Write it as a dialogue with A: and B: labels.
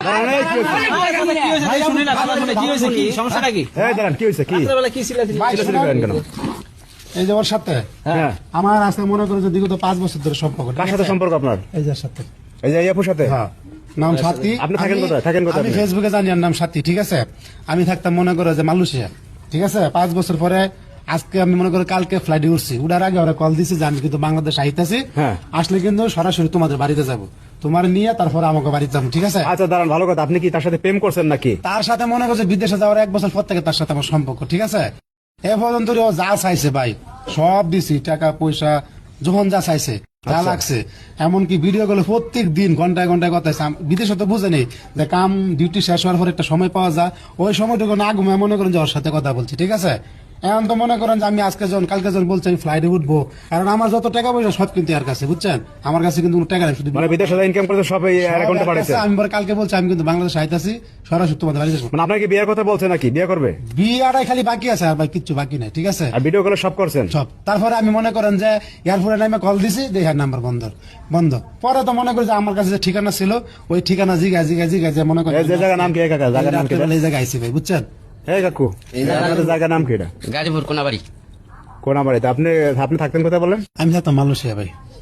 A: এই যে ওর সাথে আমার আছে মনে করো যে বিগত 5 বছর ধরে সম্পর্ক।
B: কার সাথে সম্পর্ক আপনার?
A: এই যে সাথে,
B: এই যে আপুর সাথে।
A: হ্যাঁ, নাম সাথী।
B: আপনি থাকেন কোথায়?
A: আমি ফেসবুকে জানি আর নাম সাথী, ঠিক আছে। আমি থাকতাম মনে করো যে মালয়েশিয়া, ঠিক আছে। 5 বছর পরে আজকে আমি মনে করি কালকে ফ্লাইটে উঠছি, উঠার আগে ওরা কল দিছি যে আমি কিন্তু বাংলাদেশ আইতাছি, আসলে কিন্তু সরাসরি তোমাদের বাড়িতে যাব, তোমার নিয়ে তারপরে আমাকে বাড়িতে যাবো, ঠিক আছে।
B: আচ্ছা দাঁড়ান, ভালো কথা। আপনি কি তার সাথে প্রেম করছেন নাকি?
A: তার সাথে মনে করছে বিদেশে যাওয়ার 1 বছর পর থেকে তার সাথে আমার সম্পর্ক, ঠিক আছে। এ পর্যন্ত ও যা চাইছে ভাই সব দিছি, টাকা পয়সা যখন যা চাইছে যা লাগছে, এমনকি ভিডিও গুলো প্রত্যেক দিন ঘন্টায় ঘন্টায় কথা। বিদেশে তো বুঝে নেই যে কাম ডিউটি শেষ হওয়ার পর একটা সময় পাওয়া যায়, ওই সময়টুকু না ঘুমায় মনে করেন যে ওর সাথে কথা বলছি, ঠিক আছে। এখন তো মনে করেন যে আমি আজকে যখন কালকে যখন বলছি আমি ফ্লাইটে উঠবো, কারণ আমার যত টাকা পয়সা সব কিন্তু এর কাছে, বুঝছেন। আমার কাছে কিন্তু কোনো টাকা নেই, শুধু
B: মানে বিদেশে ইনকাম করতে সব এই অ্যাকাউন্টে পাঠাইছে।
A: আমি পরে কালকে বলছি আমি কিন্তু বাংলাদেশে আইতাছি, সরাসরি তোমাদের বাড়িতে যাবো।
B: মানে আপনাকে বিয়ের কথা বলছে নাকি? বিয়ে করবে?
A: বিয়েটাই খালি বাকি আছে, আর ভাই কিচ্ছু বাকি নাই, ঠিক আছে।
B: আর ভিডিও কলে সব করছেন
A: সব। তারপরে আমি মনে করেন যে এয়ারপোর্টে নামে কল দিছি, দেখেন নাম্বার বন্ধ। পরে তো মনে করি যে আমার কাছে যে ঠিকানা ছিল ওই ঠিকানা জিগা যে মনে করেন
B: এই জায়গার নাম কি? কাকা জায়গার নাম কি?
A: এই জায়গায় আইছি ভাই, বুঝছেন।
B: এই কাকু, আপনাদের জায়গার নাম কি? এটা
C: গাজীপুর কোনাবাড়ি।
B: কোনাবাড়িতে। আপনি থাকতেন কোথায় বলেন?
A: আমি থাকতাম মালয়েশিয়া ভাই।